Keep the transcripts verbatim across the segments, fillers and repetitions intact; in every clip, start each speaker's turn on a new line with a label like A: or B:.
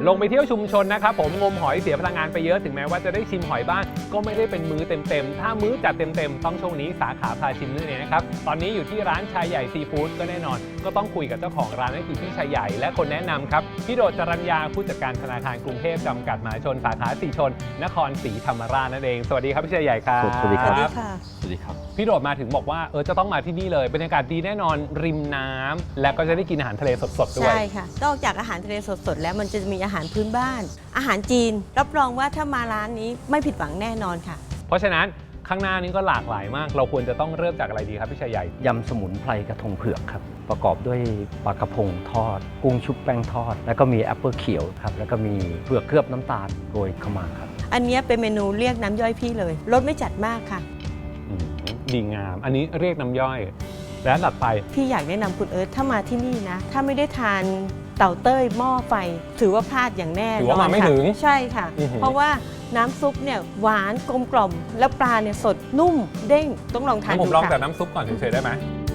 A: ลงไปเที่ยวชุมชนนะครับผมงมหอยเสียพลังงานไปเยอะถึงแม้ว่าจะได้ชิมหอยบ้างก็ไม่ได้เป็นมื้อเต็มๆถ้ามื้อจัดเต็มๆต้องช่วงนี้สาขาพาชิมนั่นเองนะครับตอนนี้อยู่ที่ร้านชายใหญ่ซีฟู้ดก็แน่นอนก็ต้องคุยกับเจ้าของร้านนั่นคือพี่ชายใหญ่และคนแนะนำครับพี่โดดจรัญญาผู้จัดการธนาคารกรุงเทพจำกัดมหาชนสาขาสีชนนครศรีธรรมราชนั่นเองสวัสดีครับพี่ชายใหญ่ครับ
B: สวัสดีครับ
C: สวัสดีครับ
A: พี่โดดมาถึงบอกว่าเออจะต้องมาที่นี่เลยบรรยากาศดีแน่นอนริมน้ำและก็จะได้กินอาหารทะเลสดๆด้วย
B: ใช่ค่ะนอกจากอาหารทะเลสดๆแล้วมันจะมีอาหารพื้นบ้าน อาหารจีนรับรองว่าถ้ามาร้านนี้ไม่ผิดหวังแน่นอนค่ะ
A: เพราะฉะนั้นข้างหน้านี้ก็หลากหลายมากเราควรจะต้องเริ่มจากอะไรดีครับพี่ชายใหญ่
C: ยำสมุนไพรกระทงเผือกครับประกอบด้วยปลากระพงทอดกุ้งชุบแป้งทอดแล้วก็มีแอปเปิลเขียวครับแล้วก็มีเผือกเคลือบน้ำตาลโรยเข้ามาครับ
B: อันนี้เป็นเมนูเรียกน้ำย่อยพี่เลยรสไม่จัดมากค่ะ
A: ดีงามอันนี้เรียกน้ำย่อยและหลัดไป
B: พี่อยากแนะนำคุณเอิร์ธถ้ามาที่นี่นะถ้าไม่ได้ทานเต่าเต้ยหม้อไฟถือว่าพลาดอย่างแน่นอน
A: ถือว่ามาไม่ถึง
B: ใช่ค่ะเพราะว่าน้ำซุปเนี่ยหวานกลมกล่อมแล้วปลาเนี่ยสดนุ่มเด้งต้องลองทานดูค่ะ
A: ผมลองแต่น้ำซุปก่อนเฉยๆได้ไหม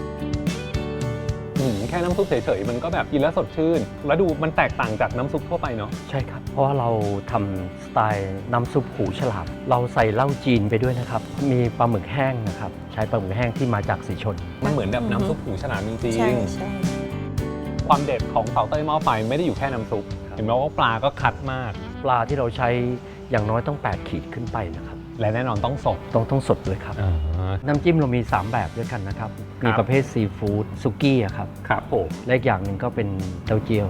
A: แค่น้ำซุปเฉยๆมันก็แบบกินแล้วสดชื่นแล้วดูมันแตกต่างจากน้ำซุปทั่วไปเนาะ
C: ใช่ครับเพราะว่าเราทำสไตล์น้ำซุปหูฉลามเราใส่เหล้าจีนไปด้วยนะครับมีปลาหมึกแห้งนะครับใช้ปลาหมึกแห้งที่มาจากสีชน
A: มันเหมือนแบบน้ำซุปหูฉลามจริงๆ
B: ใช่ใช่
A: ความเด็ดของเต่าเต้ยหม้อไฟไม่ได้อยู่แค่น้ำซุปเห็นไหมว่าปลาก็คัดมาก
C: ปลาที่เราใช้อย่างน้อยต้องแปดขีดขึ้นไปนะครับ
A: และแน่นอนต้องสด
C: ต้องต้องสดด้วยครับน้ำจิ้มเรามีสามแบบด้วยกันนะครับมีประเภทซีฟู้ดซุกี้ครับ
A: ครับผม
C: และอีกอย่างหนึ่งก็เป็นเต้าเจี้ย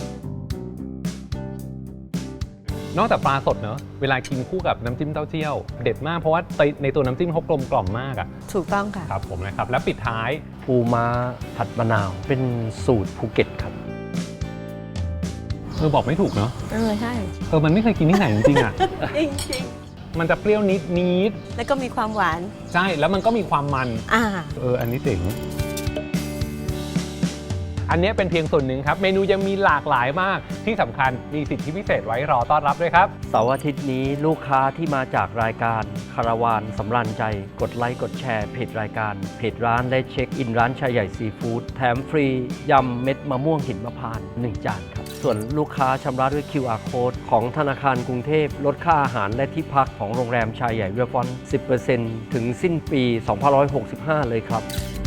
C: วน
A: อกจากปลาสดเนอะเวลากินคู่กับน้ำจิ้มเต้าเจี้ยวเด็ดมากเพราะว่าในตัวน้ำจิ้มเขากลมกล่อมมากอ่ะ
B: ถูกต้องค่ะ
A: ครับผมนะครับแล้วปิดท้าย
C: ปูม้าผัดมะนาวเป็นสูตรภูเก็ตครับ
A: เออบอกไม่ถูกเนาะ
B: เออใช่
A: เออมันไม่เคยกินที่ไหนจริงๆอ่ะ
B: จริง
A: มันจะเปรี้ยวนิดนิด
B: แล้วก็มีความหวาน
A: ใช่แล้วมันก็มีความมัน
B: อ่า
A: เอออันนี้เจ๋งอันนี้เป็นเพียงส่วนหนึ่งครับเมนูยังมีหลากหลายมากที่สำคัญมีสิทธิพิเศษไว้รอต้อนรับด้วยครับ
C: เสาร์อาทิตย์นี้ลูกค้าที่มาจากรายการคาราวานสำราญใจกดไลค์กดแชร์เพจรายการเพจร้านและเช็คอินร้านชายใหญ่ซีฟู้ดแถมฟรียำเม็ดมะม่วงหินมะพร้าวหนึ่งจานครับส่วนลูกค้าชำระด้วย คิว อาร์ Code ของธนาคารกรุงเทพลดค่าอาหารและที่พักของโรงแรมชายใหญ่เวลฟอน สิบเปอร์เซ็นต์ ถึงสิ้นปี สองพันห้าร้อยหกสิบห้า เลยครับ